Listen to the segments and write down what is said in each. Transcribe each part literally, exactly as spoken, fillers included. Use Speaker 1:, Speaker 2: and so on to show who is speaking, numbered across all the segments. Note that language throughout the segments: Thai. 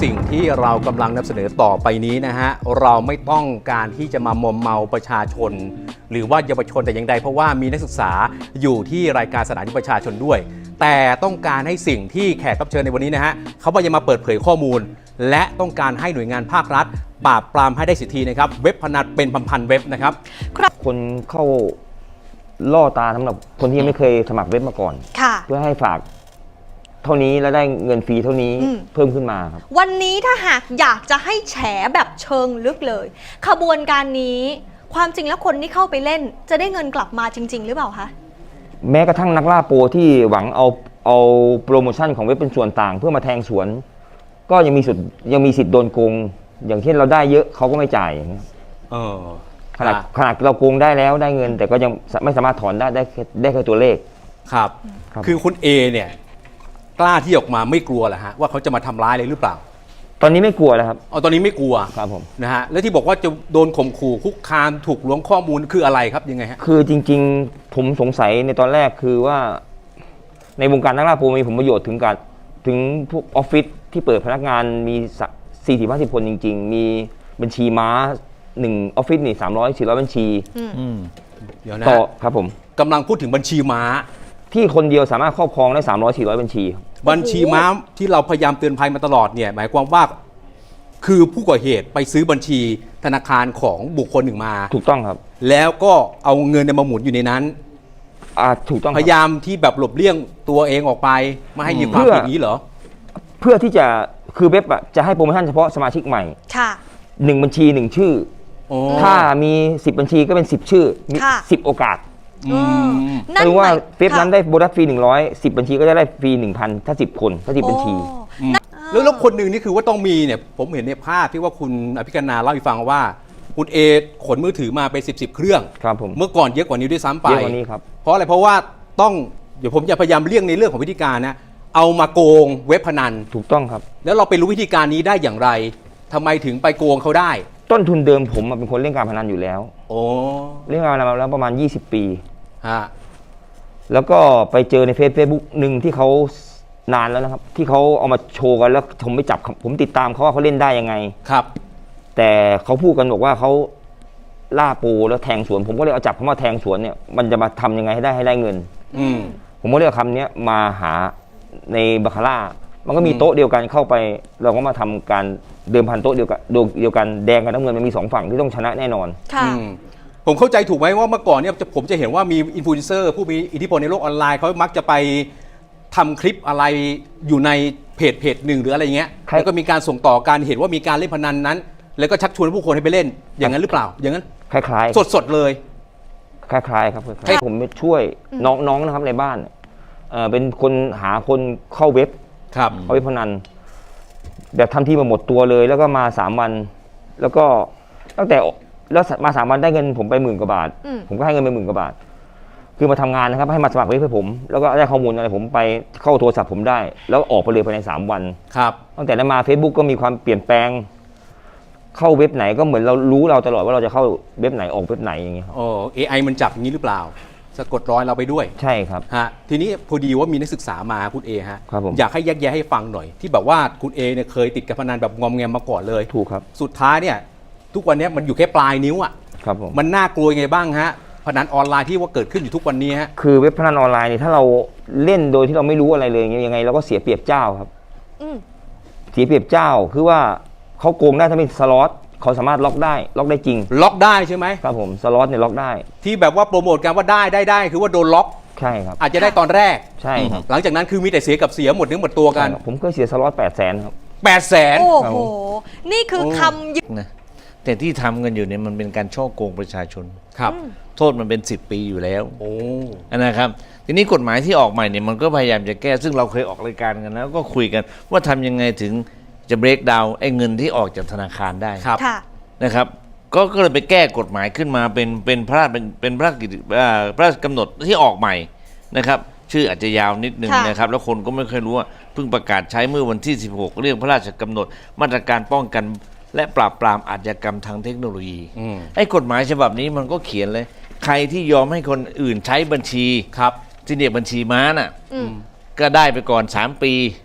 Speaker 1: สิ่งที่เรากำลังนำเสนอต่อไปนี้นะฮะเราไม่ต้องการที่จะมามอมเมาประชาชนหรือว่าเยาวชนแต่อย่างใดเพราะว่ามีนักศึกษาอยู่ที่รายการสถานีประชาชนด้วยแต่ต้องการให้สิ่งที่แขกรับเชิญในวันนี้นะฮะเขาพยายามมาเปิดเผยข้อมูลและต้องการให้หน่วยงานภาครัฐปราบปรามให้ได้สิทธินะครับเว็บพนันเป็นพันๆเว็บนะครับ
Speaker 2: คนเข้าล่อตาสำหรับคนที่ยังไม่เคยสมัครเว็บมาก่อนเพื่อให้ฝากเท่านี้แล้วได้เงินฟรีเท่านี้เพิ่มขึ้นมาครับ
Speaker 3: วันนี้ถ้าหากอยากจะให้แฉแบบเชิงลึกเลยขบวนการนี้ความจริงแล้วคนที่เข้าไปเล่นจะได้เงินกลับมาจริงๆหรือเปล่าคะ
Speaker 2: แม้กระทั่งนักล่าโปรที่หวังเอาเอาโปรโมชั่นของเว็บเป็นส่วนต่างเพื่อมาแทงสวนก็ยังมีสิทธิ์ยังมีสิทธิ์โดนโกงอย่างเช่นเราได้เยอะเขาก็ไม่จ่ายอย่างเงี้ย
Speaker 1: เออ
Speaker 2: ขนาดขนาดเราโกงได้แล้วได้เงินแต่ก็ยังไม่สามารถถอนได้ได้ได้แค่ตัวเลข
Speaker 1: ครับคือคุณเอเนี่ยกล้าที่ออกมาไม่กลัวเหรอฮะว่าเขาจะมาทำร้ายเลยหรือเปล่า
Speaker 2: ตอนนี้ไม่กลัวแล้วครับ
Speaker 1: อ๋อตอนนี้ไม่กลัว
Speaker 2: ครับผม
Speaker 1: นะฮะแล้วที่บอกว่าจะโดนข่มขู่คุกคามถูกล้วงข้อมูลคืออะไรครับยังไงฮะ
Speaker 2: คือจริงๆผมสงสัยในตอนแรกคือว่าในวงการนักล่าโปรมีผลประโยชน์ถึงการถึงพวกออฟฟิศที่เปิดพนักงานมีสี่สิบห้าสิบคนจริงๆมีบัญชีม้าหนึ่งออฟฟิศนี่สามร้อยสี่ร้อยบัญชี
Speaker 1: เดี๋ยวนะ
Speaker 2: ต่อครับผม
Speaker 1: กำลังพูดถึงบัญชีม้า
Speaker 2: ที่คนเดียวสามารถครอบครองได้สามร้อยสี่ร้อยบัญชี
Speaker 1: บัญชีม้าที่เราพยายามเตือนภัยมาตลอดเนี่ยหมายความว่าคือผู้ก่อเหตุไปซื้อบัญชีธนาคารของบุคคลหนึ่งมา
Speaker 2: ถูกต้องครับ
Speaker 1: แล้วก็เอาเงินมาหมุนอยู่ในนั้น
Speaker 2: อ่าถูกต้อง
Speaker 1: พยายามที่แบบหลบเลี่ยงตัวเองออกไปไม่ให้มีความผิดนี้เหรอ
Speaker 2: เพื่อที่จะคือเว็บอ่ะจะให้โปรโมชั่นเฉพาะสมาชิกใหม่
Speaker 3: ค่ะ
Speaker 2: หนึ่งบัญชีหนึ่งชื่อถ้ามีสิบบัญชีก็เป็นสิบชื่อมีสิบโอกาสคือว่าเว็บนั้นได้โบนัสฟรีหนึ่งร้อยสิบบัญชีก็จะได้ฟรีหนึ่งพันถ้าสิบคนถ้าสิบบัญชี
Speaker 1: แล้วแล้วคนหนึ่งนี่คือว่าต้องมีเนี่ยผมเห็นในภาพที่ว่าคุณอภิกนาเล่าให้ฟังว่าคุณเอขนมือถือมาไปสิบสิบเครื่อง
Speaker 2: ครับผม
Speaker 1: เมื่อก่อนเยอะกว่านี้ด้วยซ้ำไป
Speaker 2: เยอะกว่านี้ครับ
Speaker 1: เพราะอะไรเพราะว่าต้องเดี๋ยวผมจะพยายามเลี่ยงในเรื่องของวิธีการนะเอามาโกงเว็บพนัน
Speaker 2: ถูกต้องครับ
Speaker 1: แล้วเราไปรู้วิธีการนี้ได้อย่างไรทำไมถึงไปโกงเขาได้
Speaker 2: ต้นทุนเดิมผมเป็นคนเล่นการพนันอยู่แล้ว
Speaker 1: โอ้
Speaker 2: เล่นการพนันมาแล้วประมาณยี่สิบปี
Speaker 1: ฮะ
Speaker 2: แล้วก็ไปเจอในเฟซบุ๊กหนึ่งที่เขานานแล้วนะครับที่เขาเอามาโชว์กันแล้วผมไม่จับผมติดตามเขาว่าเขาเล่นได้ยังไง
Speaker 1: ครับ
Speaker 2: แต่เขาพูดกันบอกว่าเขาล่าปูแล้วแทงสวนผมก็เลยเอาจับเขามาแทงสวนเนี่ยมันจะมาทำยังไงให้ได้ให้ได้เงิน
Speaker 1: อืม
Speaker 2: ผมก็เลยเอาคำนี้มาหาในบาคาร่ามันก็มีโต๊ะเดียวกันเข้าไปเราก็มาทำการเดิมพันโต๊ะเดียวกันเดียวกันแดงกับน้ำเงินมันมีสองฝั่งที่ต้องชนะแน่นอน
Speaker 3: ค่ะ
Speaker 1: ผมเข้าใจถูกไหมว่าเมื่อก่อนเนี่ยผมจะเห็นว่ามีอินฟลูเอนเซอร์ผู้มีอิทธิพลในโลกออนไลน์เขามักจะไปทำคลิปอะไรอยู่ในเพจเพจหนึ่งหรืออะไรเงี้ยแล้วก็มีการส่งต่อการเห็นว่ามีการเล่นพนันนั้นแล้วก็ชักชวนผู้คนให้ไปเล่นอย่างนั้นหรือเปล่าอย่างนั้น
Speaker 2: คล้าย
Speaker 1: ๆสดๆเลย
Speaker 2: คล้ายๆครับให้ผมช่วยน้องๆนะครับในบ้านเออเป็นคนหาคนเข้าเว็บ
Speaker 1: ครับ
Speaker 2: เข้าเว็บพนันแบบทำที่มาหมดตัวเลยแล้วก็มาสามวันแล้วก็ตั้งแต่แล้วมาสามวันได้เงินผมไปหมื่นกว่าบาทผมก็ให้เงินไปหมื่นกว่าบาทคือมาทำงานนะครับให้มาสมัครเว็บให้ผมแล้วก็ได้ข้อมูลอะไรผมไปเข้าโทรศัพท์ผมได้แล้วออกไปเลยภายในสามวัน
Speaker 1: ครับ
Speaker 2: ตั้งแต่นั้นมา Facebook ก็มีความเปลี่ยนแปลงเข้าเว็บไหนก็เหมือนเรารู้เราตลอดว่าเราจะเข้าเว็บไหนออกเว็บไหนอย่างเงี้ย
Speaker 1: โอ้ เอ ไอ มันจับอย่างนี้หรือเปล่าสะกดรอยเราไปด้วย
Speaker 2: ใช่ครับ
Speaker 1: ฮะทีนี้พอดีว่ามีนักศึกษามาคุณเอฮะ
Speaker 2: ครับผม
Speaker 1: อยากให้แยกแยะให้ฟังหน่อยที่แบบว่าคุณเอเนี่ยเคยติดการพนันแบบงอมแงมมาก่อนเลย
Speaker 2: ถูกครับ
Speaker 1: สุดท้ายเนี่ยทุกวันนี้มันอยู่แค่ปลายนิ้วอ่ะ
Speaker 2: ครับผม
Speaker 1: มันน่ากลัวยังไงบ้างฮะพนันออนไลน์ที่ว่าเกิดขึ้นอยู่ทุกวันนี้ฮะ
Speaker 2: คือเว็บพนันออนไลน์นี่ถ้าเราเล่นโดยที่เราไม่รู้อะไรเลยยังไงเราก็เสียเปรียบเจ้าครับเสียเปรียบเจ้าคือว่าเขาโกงได้ถ้าเป็นสล็อตเขาสามารถล็อกได้ล็อกได้จริง
Speaker 1: ล็อกได้ใช่ไหม
Speaker 2: ครับผมสล็อตเนี่ยล็อกได้
Speaker 1: ที่แบบว่าโปรโมทกันว่าได้ได้ได้คือว่าโดนล็อก
Speaker 2: ใช่ครับ
Speaker 1: อาจจะได้ตอนแรก
Speaker 2: ใช่ครับ
Speaker 1: หลังจากนั้นคือมีแต่เสียกับเสียหมดเนื้อหมดตัวกัน
Speaker 2: ผมเคยเสียสล็อตแปดแสนครับ
Speaker 1: แปดแสน
Speaker 3: โอ้โหนี่คือคำยึด
Speaker 4: นะแต่ที่ทำกันอยู่เนี่ยมันเป็นการช่อโกงประชาชน
Speaker 1: ครับ
Speaker 4: โทษมันเป็นสิบปีอยู่แล้ว
Speaker 1: โอ้
Speaker 4: นะครับทีนี้กฎหมายที่ออกใหม่เนี่ยมันก็พยายามจะแก้ซึ่งเราเคยออกรายการกันแล้วก็คุยกันว่าทำยังไงถึงจะเบรกดาวน์ไอ้เงินที่ออกจากธนาคารได้นะครับก็ก็เลยไปแก้กฎหมายขึ้นมาเป็นเป็นพระราชเป็นพระราชกิจพระราชกำหนดที่ออกใหม่นะครับชื่ออาจจะยาวนิดนึงนะครับแล้วคนก็ไม่เคยรู้ว่าเพิ่งประกาศใช้เมื่อวันที่สิบหกเรื่องพระราชกำหนดมาตรการป้องกันและปราบปรามอาชญากรรมทางเทคโนโลยีไอ้กฎหมายฉบับนี้มันก็เขียนเลยใครที่ยอมให้คนอื่นใช้บัญชี
Speaker 1: ครับ
Speaker 4: ที่เรียกบัญชีม้าน่ะก็ได้ไปก่อนสามปี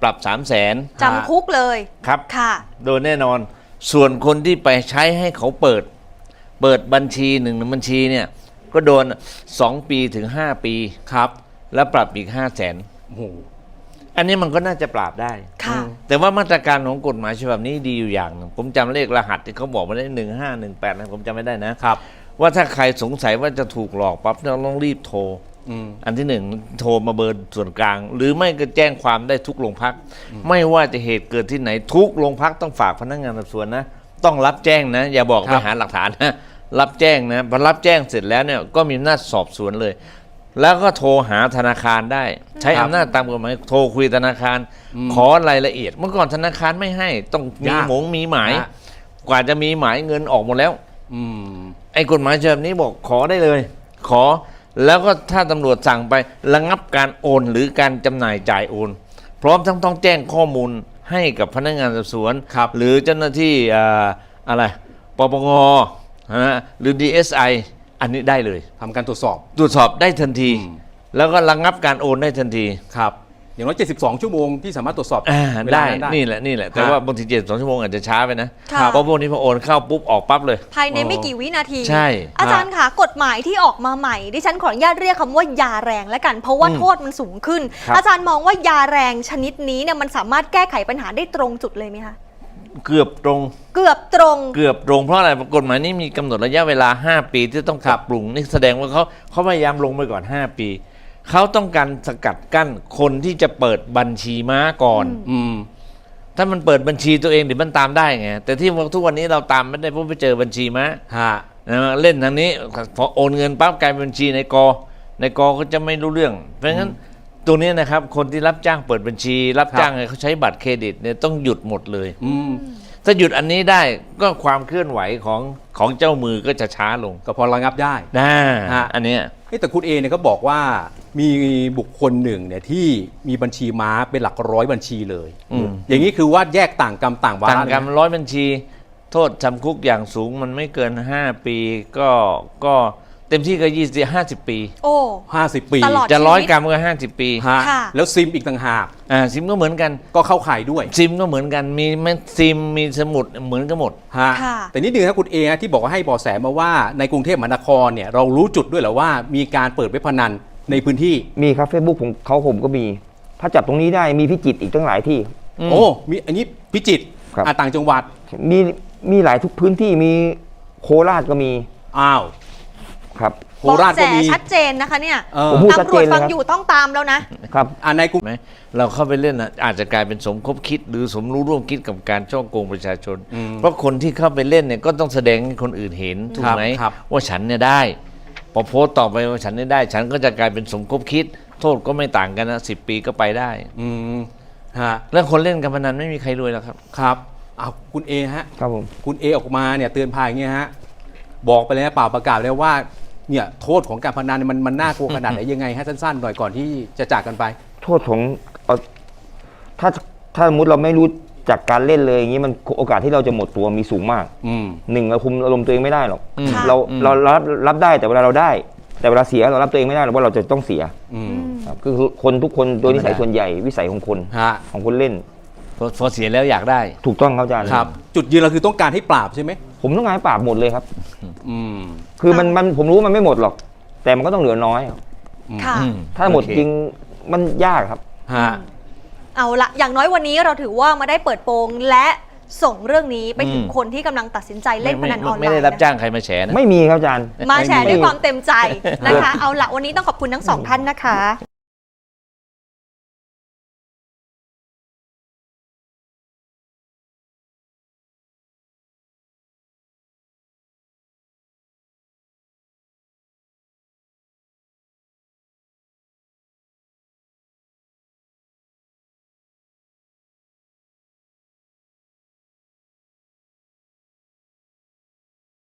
Speaker 4: ปรับสามแสน
Speaker 3: จำคุกเลย
Speaker 4: ครับ
Speaker 3: ค่ะ
Speaker 4: โดยแน่นอนส่วนคนที่ไปใช้ให้เขาเปิด เปิดบัญชีหนึ่งบัญชีเนี่ยก็โดนสองปีถึงห้าปีครับแล้วปรับอีกห้าแสน
Speaker 1: โอ้โห
Speaker 4: อันนี้มันก็น่าจะปราบได้
Speaker 3: ค่ะ
Speaker 4: แต่ว่ามาตรการของกฎหมายฉบับนี้ดีอยู่อย่างหนึ่งผมจำเลขรหัสที่เขาบอกมาได้หนึ่งห้าหนึ่งแปดนะผมจำไม่ได้นะครับ ว่าถ้าใครสงสัยว่าจะถูกหลอกปั๊บเราต้องรีบโทร
Speaker 1: อืม
Speaker 4: อันที่หนึ่งโทรมาเบอร์ส่วนกลาง หรือไม่ก็แจ้งความได้ทุกโรงพัก ไม่ว่าจะเหตุเกิดที่ไหนทุกโรงพักต้องฝากพนักงานสอบสวนนะต้องรับแจ้งนะ อย่าบอก
Speaker 1: ครั
Speaker 4: ไป
Speaker 1: บ
Speaker 4: หาหลักฐานนะรับแจ้งนะพอรับแจ้งเสร็จแล้วเนี่ยก็มีอำนาจสอบสวนเลย แล้วก็โทรหาธนาคารได้ ใช้อำนาจตามกฎหมายโทรคุยธนาคาร ขอรายละเอียด เมื่อก่อนธนาคารไม่ให้ต้องมี
Speaker 1: ยาก
Speaker 4: หมงมีหมาย
Speaker 1: ฮะ
Speaker 4: กว่าจะมีหมายเงินออกหมดแล้ว
Speaker 1: อืม
Speaker 4: ไอ้กฎหมายฉบับนี้บอกขอได้เลย ขอแล้วก็ถ้าตำรวจสั่งไประงับการโอนหรือการจำหน่ายจ่ายโอน พร้อมทั้งต้องแจ้งข้อมูลให้กับพนักงานสอบสวน
Speaker 1: ครับ
Speaker 4: หรือเจ้าหน้าที่อ่าอะไรปปงฮะหรือ ดี เอส ไอ อันนี้ได้เลย
Speaker 1: ทำการตรวจสอบ
Speaker 4: ตรวจสอบได้ทันที
Speaker 1: อืม
Speaker 4: แล้วก็ระงับการโอนได้ทันที
Speaker 1: ครับอย่างน้อยเจ็ดสิบสองชั่วโมงที่สามารถตรวจสอบ
Speaker 4: อ่า
Speaker 1: เวลา
Speaker 4: ได้
Speaker 1: นั้น
Speaker 4: นี่แหละนี่แหละแต่
Speaker 1: ฮะ
Speaker 4: ว่าบางทีเจ็ดสองชั่วโมงอาจจะช้าไปนะ
Speaker 3: ค่ะ
Speaker 4: เพราะพวกนี้พอโอนเข้าปุ๊บออกปั๊บเลย
Speaker 3: ภายในไม่กี่วินาที
Speaker 4: ใช่
Speaker 3: อาจารย์ค่ะกฎหมายที่ออกมาใหม่ดิฉันขออนุญาตเรียกคำว่ายาแรงแล้วกัน เพราะว่า
Speaker 4: อืม
Speaker 3: โทษมันสูงขึ้น
Speaker 4: ครับ
Speaker 3: อาจารย์มองว่ายาแรงชนิดนี้เนี่ยมันสามารถแก้ไขปัญหาได้ตรงจุดเลยไหมคะ
Speaker 4: เกือบตรง
Speaker 3: เกือบตรง
Speaker 4: เกือบตรงเพราะอะไรกฎหมายนี้มีกำหนดระยะเวลา ห้า ปีที่ต้องปรับปรุงนี่แสดงว่าเขาเขาพยายามลงไปก่อน ห้า ปี เขาต้องการสกัดกั้นคนที่จะเปิดบัญชีม้าก่อน
Speaker 1: อืม
Speaker 4: ถ้ามันเปิดบัญชีตัวเองเดี๋ยวมันตามได้ไงแต่ที่ทุกวันนี้เราตามไม่ได้เพราะไปเจอบัญชีม้า
Speaker 1: ฮะ
Speaker 4: นะเล่นทางนี้พอโอนเงินปั๊บกลายเป็นบัญชีในกอในกอก็จะไม่รู้เรื่อง เพราะงั้นตรงนี้นะครับคนที่รับจ้างเปิดบัญชี รับจ้างให้เขาใช้บัตรเครดิตเนี่ยต้องหยุดหมดเลย
Speaker 1: อืม
Speaker 4: ถ้าหยุดอันนี้ได้ก็ความเคลื่อนไหวของของเจ้ามือก็จะช้าลง
Speaker 1: ก็พอระงับได้
Speaker 4: นะ
Speaker 1: ฮะ
Speaker 4: อันเนี้ย
Speaker 1: เอ้แต่คุณเอเนี่ยก็บอกว่ามีบุคคลหนึ่งเนี่ยที่มีบัญชีม้าเป็นหลักร้อยบัญชีเลย
Speaker 4: อืม
Speaker 1: อย่างนี้คือว่าแยกต่างกรรมต่างวา
Speaker 4: ต่าง
Speaker 1: ระ
Speaker 4: กัน
Speaker 1: เลยนะ
Speaker 4: ร้อยบัญชี โทษจำคุกอย่างสูงมันไม่เกิน ห้า ปีก็ก็เต็มที่ก็ยี่สิบห้าสิบปี
Speaker 3: โอ้
Speaker 1: ห้าสิบปี
Speaker 3: ตลอด
Speaker 4: จะร้อยกรัมก็ห้าสิบปี
Speaker 1: ฮะ
Speaker 3: ค่ะ
Speaker 1: แล้วซิมอีกต่างหาก
Speaker 4: อ่าซิมก็เหมือนกัน
Speaker 1: ก็เข้าข่ายด้วย
Speaker 4: ซิมก็เหมือนกันมีแม่ซิมมีสมุดเหมือนกันหมด
Speaker 1: ฮะ
Speaker 3: ค่ะ
Speaker 1: แต่นิดนึงครับคุณเอฮะที่บอกว่าให้เบาะแสมาว่าในกรุงเทพมหานครเนี่ยเรารู้จุดด้วยเหรอว่ามีการเปิดเว็บพนันในพื้นที่
Speaker 2: มีครับเฟซบุ๊กผมเขาผมก็มี ถ้าจับตรงนี้ได้มีพิจิตรอีกตั้งหลายที่
Speaker 4: อืม
Speaker 1: โอ้มีอันนี้พิจิตร
Speaker 2: ครับ
Speaker 1: อ่ะต่างจังหวัด
Speaker 2: มีมีหลายทุกพื้นที่มีโคราชก็มี
Speaker 1: อ้าว
Speaker 2: ครับ
Speaker 1: โคราช
Speaker 3: เบาะ
Speaker 1: ก็
Speaker 3: แส
Speaker 1: มี
Speaker 3: ชัดเจนนะคะเนี่ย
Speaker 1: เออ
Speaker 2: ผมพูดชัด
Speaker 3: ตำร
Speaker 2: เจ
Speaker 3: วจ
Speaker 2: นเลย
Speaker 3: ฟัง
Speaker 2: ครับ
Speaker 3: อยู่ต้องตามแล้วนะ
Speaker 2: ครับ
Speaker 1: อ่ะในกรุง
Speaker 4: ไหมเราเข้าไปเล่นนะอาจจะกลายเป็นสมคบคิด หรือสมรู้ร่วมคิดกับการช่อโกงประชาชน
Speaker 1: อืม
Speaker 4: เพราะคนที่เข้าไปเล่นเนี่ยก็ต้องแสดงให้คนอื่นเห็นถูกไหม
Speaker 1: ครับ
Speaker 4: ว่าฉันเนี่ยได้ พอโพสต์ต่อไปว่าฉันเนี่ยได้ ฉันก็จะกลายเป็นสมคบคิด โทษก็ไม่ต่างกันนะสิบปีก็ไปได้
Speaker 1: อืมฮะ
Speaker 4: แล้วคนเล่นการพนันไม่มีใครรวยหรอกครับ
Speaker 1: ครับอ้าวคุณเอฮะ
Speaker 2: ครับผม
Speaker 1: คุณเอออกมาเนี่ยเตือนภัยอย่างเงี้ยฮะบอกไปเลยนะเปล่าประกาศเลยว่าเนี่ยโทษของการพนันเนยมันมันน่ากลัวขนาดไหนยังไงฮะสั้นๆหน่อยก่อนที่จะจากกันไป
Speaker 2: โทษของเอาถ้าถ้าสมมติเราไม่รู้จากการเล่นเลยอย่างนี้มันโอกาสที่เราจะหมดตัวมีสูงมาก
Speaker 1: อืม
Speaker 2: หนึ่งเราคุมอารมณ์ตัวเองไม่ได้หรอก
Speaker 4: อืม
Speaker 2: เรา
Speaker 4: อืม
Speaker 2: เรารับรับได้แต่เวลาเราได้ แต่เวลาเสียเรารับตัวเองไม่ได้หรอกว่าเราจะต้องเสีย
Speaker 1: อืม
Speaker 2: ครับคือคนทุกคนโดยนิสัยส่วนใหญ่วิสัยของคน
Speaker 1: ฮะ
Speaker 2: ของคนเล่น
Speaker 4: พอพอเสียแล้วอยากได้
Speaker 2: ถูกต้องครับอาจารย์
Speaker 1: ครับ จุดยืนเราคือต้องการให้ปราบใช่ไหม
Speaker 2: ผมต้องการให้ปราบหมดเลยครับ
Speaker 1: อืม
Speaker 2: คือมันมันผมรู้ว่ามันไม่หมดหรอก แต่มันก็ต้องเหลือน้อย
Speaker 3: ค่ะ
Speaker 4: อืม
Speaker 2: ถ้าหมด
Speaker 4: โอเค
Speaker 2: จริงมันยากครับ
Speaker 1: ฮะ
Speaker 3: เอาละอย่างน้อยวันนี้เราถือว่ามาได้เปิดโปงและส่งเรื่องนี้ไปถึง
Speaker 4: อืม
Speaker 3: คนที่กำลังตัดสินใจเล่นพนันออนไลน์
Speaker 4: ไม่ได้รับจ้างใครมาแฉนะ
Speaker 2: ไม่มีครับอาจารย์
Speaker 3: มาแชร์
Speaker 1: ไม่มี
Speaker 3: ด้วยความเต็มใจนะคะ เอาละวันนี้ต้องขอบคุณทั้งสองท่านนะคะ